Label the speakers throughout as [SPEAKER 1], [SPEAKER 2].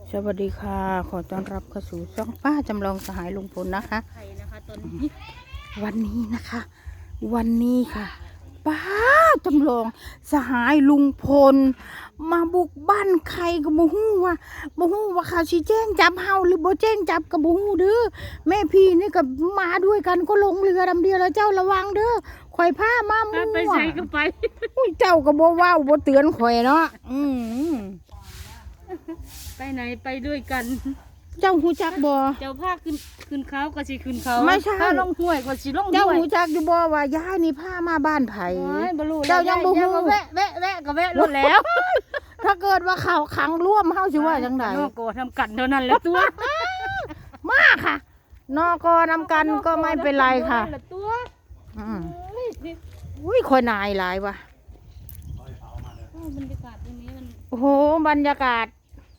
[SPEAKER 1] สวัสดีค่ะขอต้อนรับเข้าสู่ช่องป้าจำลองสหายลุงพลนะคะ
[SPEAKER 2] ไข่นะคะตอนนี้
[SPEAKER 1] วันนี้นะคะ วันนี้ค่ะป้าจำลองสหายลุงพลมาบุกบ้านใครก็บ่ฮู้ว่าเขาสิแจ้งจับเฮาหรือบ่แจ้งจับก็บ่ฮู้เด้อแม่พี่นี่ก็มาด้วยกันก็ลงเรือลำเดียวแล้วเจ้าระวังเด้อข่อยพามามั่ว
[SPEAKER 2] ไปใส่ก็ไป
[SPEAKER 1] อุ้ยเจ้าก็บ่เว้าบ่เตือนข่อยเนาะ
[SPEAKER 2] ไปไหนไปด้วยกัน
[SPEAKER 1] เจ้าหูจักบ่
[SPEAKER 2] เจ้าภาคขึ้นเขาก็สิขึ้นเขา
[SPEAKER 1] ไม่ใช่
[SPEAKER 2] ถ้าลงห้วยก็สิลงห้วย
[SPEAKER 1] เจ้าหูจักอยู่บ่ว่าย้ายนี่พามาบ้านไผ
[SPEAKER 2] โอ้ยบ่รู้
[SPEAKER 1] เจ้ายังบ่ฮู้
[SPEAKER 2] ก็แวะก็แวะรถแล้ว
[SPEAKER 1] ถ้าเกิดว่าเขาขังร่วมเฮาสิว่าจังได๋
[SPEAKER 2] นอกโกทำกันเท่านั้นแหละตัว
[SPEAKER 1] มาค่ะ นอกนำกันก็ไม่เป็นไรค่ะ
[SPEAKER 2] นอกโกทำกันเท่านั้นแหลตัว
[SPEAKER 1] อืม
[SPEAKER 2] โอ้ยนี่
[SPEAKER 1] อุ้ยคอยนายหลายว่ะ
[SPEAKER 2] โอ้บรรยากาศตรงนี้มัน
[SPEAKER 1] โอ้โหบรรยากาศ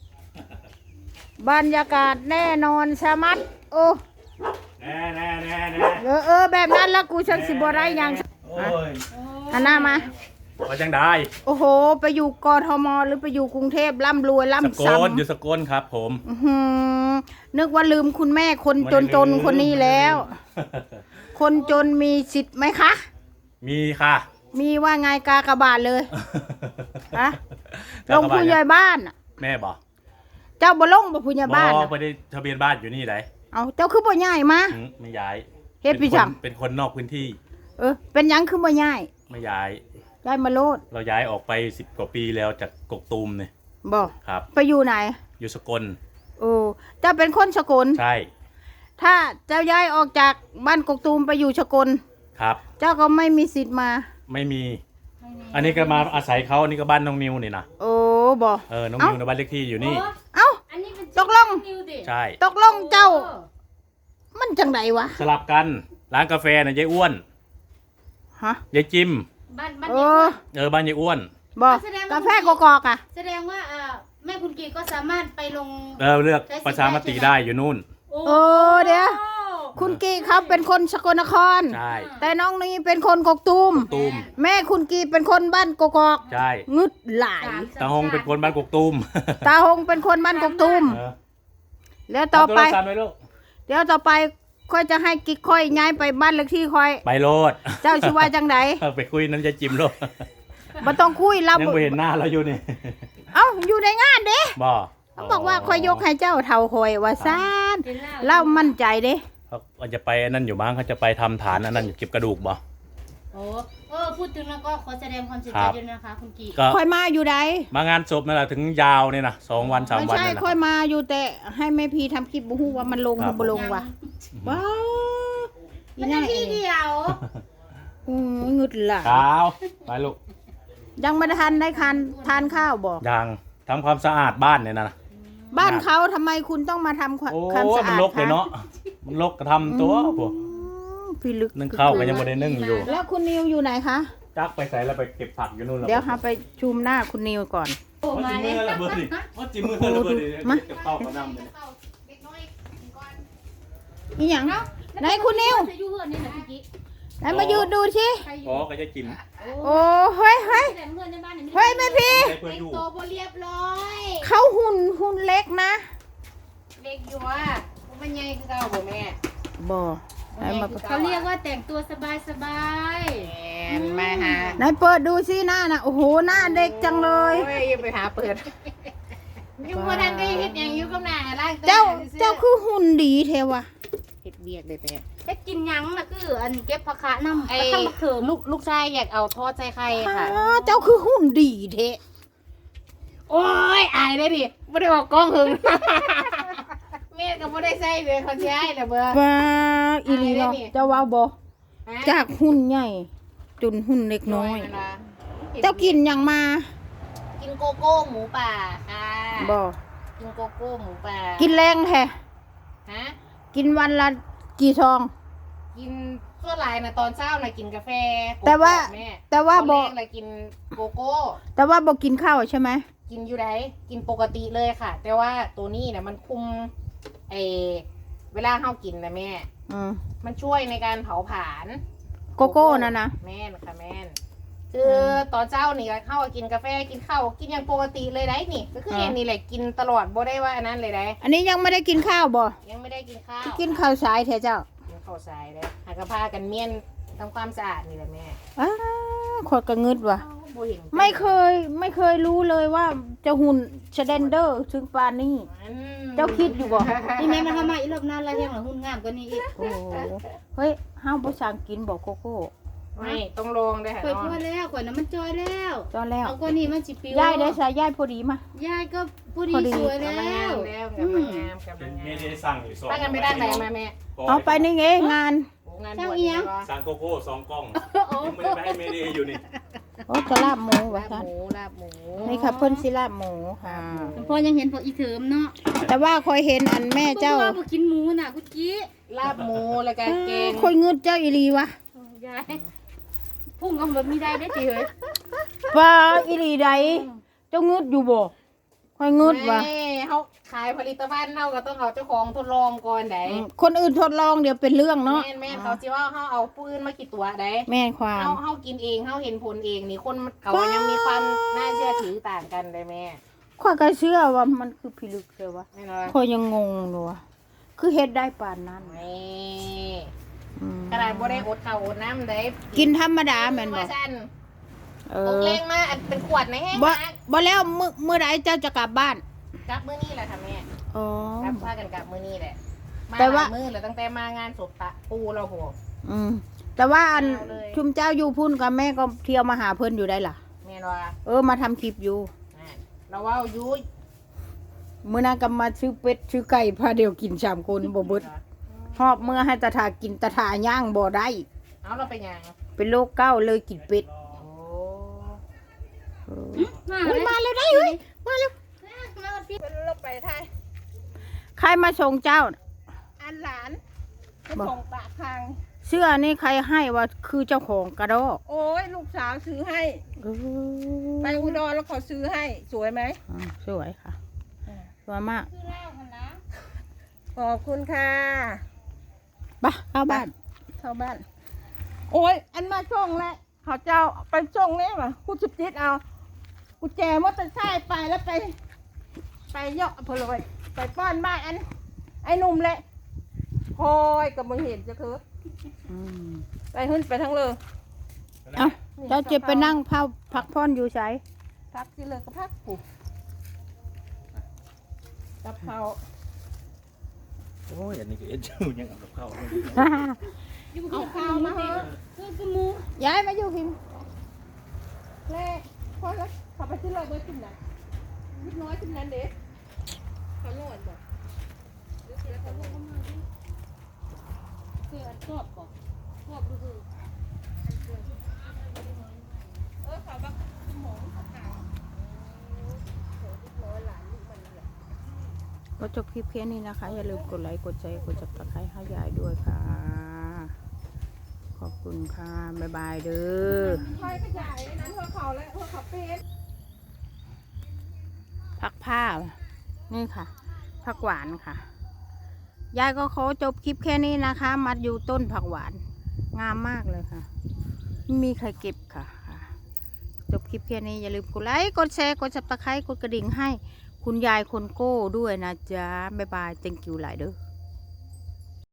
[SPEAKER 1] แน่นอนชะมัดโอ้
[SPEAKER 3] แน่
[SPEAKER 1] แบบนั้นแล้วกูชักสิบ่ได้หยัง
[SPEAKER 3] โอ้ย
[SPEAKER 1] หันหน้ามา
[SPEAKER 3] ว่าจังได้
[SPEAKER 1] โอ้โหไปอยู่กทมหรือไปอยู่กรุงเทพร่ำรวย
[SPEAKER 3] ส
[SPEAKER 1] ร่ำ
[SPEAKER 3] ก
[SPEAKER 1] ซ้
[SPEAKER 3] ลอยู่สกลครับผม
[SPEAKER 1] ำอื้อหือนึกว่าลืมคุณแม่คนจนคนนี้แล้ว คนจนมีสิทธิ์ไหมคะ
[SPEAKER 3] มีค่ะ
[SPEAKER 1] มีว่าไงกากบาทเลยฮะลงผู้ใหญ่บ้านน่ะ
[SPEAKER 3] แม่บอก
[SPEAKER 1] เจ้าบ่ลงบ่ผู้ใหญ่บ้าน
[SPEAKER 3] บอ
[SPEAKER 1] น่ะ
[SPEAKER 3] กไปได้ทะเบียนบ้านอยู่นี่ไหน
[SPEAKER 1] เอาเจ้าคือบ่ย้ายมา
[SPEAKER 3] ไม่ย้าย
[SPEAKER 1] เฮ็ดพี่จัง
[SPEAKER 3] เป็นคนนอกพื้นที่
[SPEAKER 1] เป็นหยังคือบ่ย้าย
[SPEAKER 3] ไม่ย้าย
[SPEAKER 1] ย้ายมาโลด
[SPEAKER 3] เราย้ายออกไป10 กว่าปีแล้วจากกกตูมเนี่ย
[SPEAKER 1] บ่
[SPEAKER 3] ครับ
[SPEAKER 1] ไปอยู่ไหน
[SPEAKER 3] อยู่สกล
[SPEAKER 1] โอ้เจ้าเป็นคนสกล
[SPEAKER 3] ใช่
[SPEAKER 1] ถ้าเจ้าย้ายออกจากบ้านกกตูมไปอยู่สกล
[SPEAKER 3] ครับ
[SPEAKER 1] เจ้าก็ไม่มีสิทธิ์มา
[SPEAKER 3] ไม่มี อันนี้ก็มาอาศัยเขาอันนี้ก็บ้านน้องนิวนี่นะ
[SPEAKER 1] โอ้บ่
[SPEAKER 3] น้อง
[SPEAKER 1] เอ้า
[SPEAKER 3] นิวในบ้านเลขที่อยู่นี่
[SPEAKER 1] เอ้า
[SPEAKER 2] อันนี้เป็น
[SPEAKER 1] ตกลง
[SPEAKER 2] นิวดิ
[SPEAKER 3] ใช่
[SPEAKER 1] ตกลงเจ้า มันจังไดวะ
[SPEAKER 3] สลับกันร้านกาแฟน่ะยายอ้วน
[SPEAKER 1] ฮะ
[SPEAKER 3] ยายจิม
[SPEAKER 2] บ้าน
[SPEAKER 1] เออ
[SPEAKER 3] บ้านยายอ้วน
[SPEAKER 1] บอก
[SPEAKER 2] แสดงว่า
[SPEAKER 1] กาแฟกอกๆอ่ะ
[SPEAKER 2] แสดงว่าแม่คุณกีก็สามารถไปลง
[SPEAKER 3] เลือกประชามติได้อยู่นู่น
[SPEAKER 1] โอ้เดี๋ยว คุณกีเขาเป็นคนสกลนคร
[SPEAKER 3] ใช่
[SPEAKER 1] แต่น้องนี่เป็นคนกกตูม
[SPEAKER 3] ตูม
[SPEAKER 1] แม่คุณกีเป็นคนบ้านกกอก
[SPEAKER 3] ใช่
[SPEAKER 1] งึดหลาย
[SPEAKER 3] ตาหงเป็นคนบ้านกกตูม
[SPEAKER 1] ตาหงเป็นคนบ้านกกตูม
[SPEAKER 3] เออ
[SPEAKER 1] แล้วต่อไป
[SPEAKER 3] เาโทรศัพท์ว้ลูก
[SPEAKER 1] เดี๋ยวต่อไปค่อยจะให้กิ๊กค่อยย้ายไปบ้านเลขที่ค่อย
[SPEAKER 3] ไปโลด
[SPEAKER 1] เจ้าชื่อว่าจังได
[SPEAKER 3] ไปคุยนั้นจะจิมโลด
[SPEAKER 1] บ่ต้องคุยเรา
[SPEAKER 3] ยังไม่เห็นหน้าเราอยู่นี่
[SPEAKER 1] เอ้าอยู่ในงานเด้
[SPEAKER 3] บ่
[SPEAKER 1] เขาบอกว่าค่อยยกให้เจ้าเท่าคอยว่าซ่านเล่ามั่นใจเด้
[SPEAKER 3] เขาจะไปนั่นอยู่บ้างเขาจะไปทำฐานอันนั้นอยู่เก็บกระดูกบ่
[SPEAKER 2] โอ้พูดถึงแล้วก็ขอแสดงความเสีย
[SPEAKER 3] ค
[SPEAKER 2] ใจ
[SPEAKER 3] รับ
[SPEAKER 2] ด้วยนะคะคุณกี
[SPEAKER 3] ก็
[SPEAKER 1] ค่อยมาอยู่ใด
[SPEAKER 3] มางานศพนั่นแหละถึงยาวเนี่ยนะ2 วัน 3
[SPEAKER 1] ไม่
[SPEAKER 3] วัน
[SPEAKER 1] ใช่
[SPEAKER 3] นั่นนะ
[SPEAKER 1] ค่อยมาอยู่แต่ให้แม่พีทำคลิปบ่ฮู้ว่ามันลงหรือบ่ลงว่ะว้าวอี
[SPEAKER 2] มัน
[SPEAKER 1] นั่
[SPEAKER 2] จะ
[SPEAKER 1] นเอ
[SPEAKER 2] ที่
[SPEAKER 1] ง
[SPEAKER 2] เดียว
[SPEAKER 1] อือหงึดหล่ะ
[SPEAKER 3] ขาวไปลูก
[SPEAKER 1] ยังไม่ได้ทานข้าวบ่
[SPEAKER 3] ยังทำความสะอาดบ้านเนี่ยนะ
[SPEAKER 1] บ้านเขาทำไมคุณต้องมาทำความ
[SPEAKER 3] โอ้
[SPEAKER 1] ความสะ
[SPEAKER 3] มัน
[SPEAKER 1] อาด
[SPEAKER 3] รกเลยเนาะมันรกก็ทำตัวพวก
[SPEAKER 1] พี่ลึก
[SPEAKER 3] นึ่งข้าวก็ยังไม่ได้นึ่งอยู่
[SPEAKER 1] แล้วคุณนิวอยู่ไหนคะ
[SPEAKER 3] จักไปใส่แล้วไปเก็บผักอยู่นู่นแล้ว
[SPEAKER 1] เดี๋ยวหาไปชุมหน้าคุณนิวก่อน
[SPEAKER 2] โอ้
[SPEAKER 3] ว่า
[SPEAKER 2] มา
[SPEAKER 3] จิ
[SPEAKER 2] เลย
[SPEAKER 3] มือระเบิดดิว่าจิมือระเบิดดิ
[SPEAKER 1] มา
[SPEAKER 3] เก็บข้าวกับน้ำเลย
[SPEAKER 1] อีหยังไหนคุณนิว
[SPEAKER 2] จะอยู่เฮือนนี่นะพี่กิ๊ก
[SPEAKER 1] ไหนมายืนดูสิ
[SPEAKER 2] ใครอยู่
[SPEAKER 3] อ๋อก็จะจิ้ม
[SPEAKER 1] โอ้เฮ้ย
[SPEAKER 2] แต่เพื่อนในบ้านเนี่ย
[SPEAKER 1] เฮ้ยแม่พี่
[SPEAKER 3] ใช้เพื่อ
[SPEAKER 2] แต่
[SPEAKER 3] อง ยู่
[SPEAKER 2] โตวบ่เรียบร้อย
[SPEAKER 1] เขาหุ่นเล็กนะ
[SPEAKER 4] เด็กอยู่ว่ามันใหญ่คือเก่าบ่แม่
[SPEAKER 1] บ่ไหนมา
[SPEAKER 2] เขาเรียกว่าแต่งตัวสบาย
[SPEAKER 4] แอนมาหา
[SPEAKER 1] ไหนเปิดดูสิหน้าน่ะโอ้โหหน้าเด็กจังเลย
[SPEAKER 4] โอ้ยไปหาเปิดยังบ่ทันได้เฮ็ดหยังอยู่กับหน้าล้างตัว
[SPEAKER 1] เจ้าคือหุ่นดีเทวะ
[SPEAKER 4] เฮ็ดเบียกได้แต่
[SPEAKER 2] ๆเฮ็ดกินหยังน่ะคืออันเก็บผักคะน้ำ
[SPEAKER 4] ไอ้
[SPEAKER 2] กระทั่งบักเถิม
[SPEAKER 4] ลูกชายอยากเอาทอดใส่ไข่ค่ะ
[SPEAKER 1] เจ้าคือหุ่นดีเท
[SPEAKER 4] โอ้ยอายได้ดิบ่ได้ออกกล้องหึงแม่ก็บ่ได้ใส่เลยเขาสิให้ล่ะเบ้อ
[SPEAKER 1] ป้าอีหลีเนาะเจ้าว่าบ่
[SPEAKER 4] ฮะ
[SPEAKER 1] จากหุ่นใหญ่จนหุ่นเล็กน้อย
[SPEAKER 4] นั่นล่ะ
[SPEAKER 1] เจ้ากินหยังมา
[SPEAKER 4] กินโกโก้หมูป่าค่ะ
[SPEAKER 1] บ่
[SPEAKER 4] กินโกโก้หมูป่า
[SPEAKER 1] กินแรงแท้
[SPEAKER 4] ฮะ
[SPEAKER 1] กินวันละกี่ซอง
[SPEAKER 4] กินส่วนหลายน่ะตอนเช้าน่ะกินกาแฟ
[SPEAKER 1] แต่ว่า
[SPEAKER 4] แม่
[SPEAKER 1] แต่ว่า
[SPEAKER 4] ตอน
[SPEAKER 1] บ่
[SPEAKER 4] แรกน่ะกินโกโก้
[SPEAKER 1] แต่ว่าบ่กินข้าวใช่ไหม
[SPEAKER 4] กินอยู่ไหนกินปกติเลยค่ะ แต่ว่าตัวนี้เนี่ยมันคุมไอเวลาเฮากินนะแม่
[SPEAKER 1] อืม
[SPEAKER 4] มันช่วยในการเผาผลาญ
[SPEAKER 1] โกโก้นั่นนะ
[SPEAKER 4] แม่นค่ะแม่นคือตอนเช้านี่ก็เข้ากินกาแฟกินข้าวกินอย่างปกติเลยได้นี่ก็คือเห็นนี่แหละกินตลอดบ่ได้ว่าอันนั้นเลยได้
[SPEAKER 1] อันนี้ยังไม่ได้กินข้าวบ่
[SPEAKER 4] ยังไม่ได้กินข้าว
[SPEAKER 1] กินข้าวสายแท้เจ้า
[SPEAKER 4] ยังเข้าสายได้หากระพากันเมียนทำความสะอาดนี่แหละแม่
[SPEAKER 1] อ้าขอดกระงึดว่ะ
[SPEAKER 4] บ่เห็น
[SPEAKER 1] ไม่เคยรู้เลยว่าจะหุ่นชเดนเดอร์ถึงปานนี้
[SPEAKER 4] อืม
[SPEAKER 1] เจ้าคิดอยู่บ่
[SPEAKER 2] นี่แม่มันทำมาอีรอบนั้นแล้วยังหลังหุ่นงามกว่านี้อีก
[SPEAKER 1] โอ้โหเฮ้ยห้าวบ่สั่งกินบอกโกโก้
[SPEAKER 4] ไม่ต้องลองได้ค่ะ
[SPEAKER 2] ข่อย
[SPEAKER 4] น้
[SPEAKER 2] พ
[SPEAKER 4] อ
[SPEAKER 2] อง แล้วข่อยน้ำมันจอยแล้ว
[SPEAKER 1] จอแล้ว
[SPEAKER 2] เอากว่านี้มันสิปิวย
[SPEAKER 1] ายได้สายยายพอดีมา
[SPEAKER 2] ยายก็ผู้ดี
[SPEAKER 1] พอดี
[SPEAKER 2] สวยแล้
[SPEAKER 4] กำลังงาม
[SPEAKER 2] ว
[SPEAKER 4] แล้วกำลังงามกำลัง
[SPEAKER 3] เม
[SPEAKER 4] งาม
[SPEAKER 3] เดย์สั่งอยู่สอง
[SPEAKER 4] ป้ากันไปด้านไหนมาแม่
[SPEAKER 1] เอาไปนี่ไงงาน
[SPEAKER 4] โอ้งานบวชเนี่ยเหรอ
[SPEAKER 3] สั่งโกโก้2 กล่องยังไม่ได้ไปให้เมเดย์อยู่นี่
[SPEAKER 1] โอ้จะลาบหมูว่ะ
[SPEAKER 4] ลาบ
[SPEAKER 1] ท่าน
[SPEAKER 4] หมูลาบหมู
[SPEAKER 1] นี่ค่ะเพิ่นสิลาบหมูค่ะ
[SPEAKER 2] พอยังเห็นพวกอีเถิมเนาะ
[SPEAKER 1] แต่ว่าคอยเห็นอันแม่เจ้า
[SPEAKER 2] พวกบ่กินหมูน่ะกุจี้
[SPEAKER 4] ลาบหมูแล้วก็แกง
[SPEAKER 1] คอยงึดเจ้าอีหลีวะ
[SPEAKER 2] ยายพุ่งก็แบบมีได้ได้ติเฮ้ย
[SPEAKER 1] ว่าอีหลีใดเจ้างึดอยู่บ่คอยงึดว่ะ
[SPEAKER 4] แม่เขาขายผลิตภัณฑ์เขาก็ต้องเอาเจ้าของทดลองก่อนได้
[SPEAKER 1] คนอื่นทดลองเดี๋ยวเป็นเรื่องเนาะ
[SPEAKER 4] แม่เขาจิว่าเขาเอาปืนมากี่ตัวได้
[SPEAKER 1] แม่นความ
[SPEAKER 4] เขากินเองเขาเห็นผลเองนี่คนเขายังมีความน่าเชื่อถือต่างกันได้แม่
[SPEAKER 1] ข้อยก็เชื่อว่ามันคือพิลึกเลยวะ
[SPEAKER 4] ไม่น้อย
[SPEAKER 1] คอยยังงงเลยว่ะคือเฮ็ดได้ปานนั้น
[SPEAKER 4] ไม่
[SPEAKER 1] อืม
[SPEAKER 4] ขนาดบ่ได้อดข้าวอดน้ำได้
[SPEAKER 1] กินธรรมดาแม่นบ่
[SPEAKER 4] ว่าซั่น
[SPEAKER 1] เอ
[SPEAKER 4] ตก
[SPEAKER 1] อ
[SPEAKER 4] เลงมาอันเป็นขวดในแห้ง
[SPEAKER 1] บ่
[SPEAKER 4] มาก
[SPEAKER 1] บ่แล้วมื้อใดเจ้าจะกลับบ้าน
[SPEAKER 4] กลับมื้อนี้แหละค่ะแม่
[SPEAKER 1] อ๋อก
[SPEAKER 4] ลับพากันกลับมื้อนี้แหละมา
[SPEAKER 1] แต่ว่า
[SPEAKER 4] หลยมื้อแล้วตั้งแต่มางานศพตะปูเราโห
[SPEAKER 1] อืมแต่ว่าอัน
[SPEAKER 4] เอาเลย
[SPEAKER 1] ชุมเจ้าอยู่พุ่นกับแม่ก็เที่ยวมาหาเพิ่นอยู่ได้ล่ะ
[SPEAKER 4] แม่นว่า
[SPEAKER 1] มาทำคลิปอยู่
[SPEAKER 4] เราว่าอยู่
[SPEAKER 1] มื้อนั้นก็มาซื้อเป็ดซื้อไก่พาเดียวกิน3คนบ่เบิดฮอบเมื่อให้ตาถากินตาถาย่างบ่ได้
[SPEAKER 4] เอาเราไปหยัง
[SPEAKER 1] เป็นโรคเก้าเลยกินเป็ด
[SPEAKER 4] โอ้
[SPEAKER 1] เออ
[SPEAKER 2] มา
[SPEAKER 1] เฮ้ย
[SPEAKER 2] เลย
[SPEAKER 1] มาแล้วได้เฮ้ยมาแล้ว
[SPEAKER 2] มาพี่
[SPEAKER 4] เราไปไทย
[SPEAKER 1] ใครมาส่งเจ้าน่ะ
[SPEAKER 4] อันหลาน
[SPEAKER 1] บอก
[SPEAKER 4] ส่งปากทาง
[SPEAKER 1] เสื้อนี่ใครให้ว่าคือเจ้าของกระดอก
[SPEAKER 5] โอ้ยลูกสาวซื้อให้
[SPEAKER 1] เออ
[SPEAKER 5] ไปอุดรแล้วเขาซื้อให้ สวยไหม
[SPEAKER 1] สวยค่ะสวยมาก
[SPEAKER 2] คือเล่าหั่นนะ
[SPEAKER 5] ขอบคุณค่ะ
[SPEAKER 1] ไปเข้าบ้าน
[SPEAKER 5] เข้าบ้าน โอ้ยอันมาส่งแล้วเขาเจ้าไปส่งนี่มากูจุดจิตเอากูแจมอเตอร์ไซค์ไปแล้วไปเยาะเพนเลยไปป้อนบ้านอัน ไอ้หนุ่มแหละคอยกับมึงเห็นจะคือ
[SPEAKER 1] อืม
[SPEAKER 5] ไปขึ้นไปทั้งเลย
[SPEAKER 1] เอ้าเจ้าเจ็บไปนั่งพักผ่อนอยู่ใช้
[SPEAKER 5] พักที่เลยก็พักกูกับเขา
[SPEAKER 3] โอ้ยอันนี้ก็เอ็ดจูยังเอากับข้าวเลย
[SPEAKER 2] อยู่กับข้าวมาเถอะคือหมู
[SPEAKER 1] ย้ายมาอยู่พิม
[SPEAKER 5] แรกพอแล้วขับไปที่เลยเบอร์ขึ้นนะนิดน้อยขึ้นนั้นเด็กเขาโน่นบอก
[SPEAKER 2] คืออันชอบบ่ชอบดูคือ
[SPEAKER 5] เขาบักหมองเขาขาวโหนิดน้อยหลานลูกมันเลย
[SPEAKER 1] ก็จบคลิปแค่นี้นะคะ อย่าลืมกดไลค์กดแชร์กดจับตะไคร้ให้ยายด้วยค่ะ ขอบคุณค่ะ บ๊ายบายเด้อ
[SPEAKER 5] คอยขยายนั้นเพื่อเขาและเพื่อเขาเป็น
[SPEAKER 1] ผักผ้า นี่ค่ะ ผักหวานค่ะ ยายก็ขอจบคลิปแค่นี้นะคะ มัดอยู่ต้นผักหวาน งามมากเลยค่ะไม่มีใครเก็บค่ะ จบคลิปแค่นี้อย่าลืมกดไลค์กดแชร์กดซับสไครต์กดกระดิ่งให้คุณยายคนโก้ด้วยนะจ๊ะ บ๊ายบาย thank you หลายเด้อ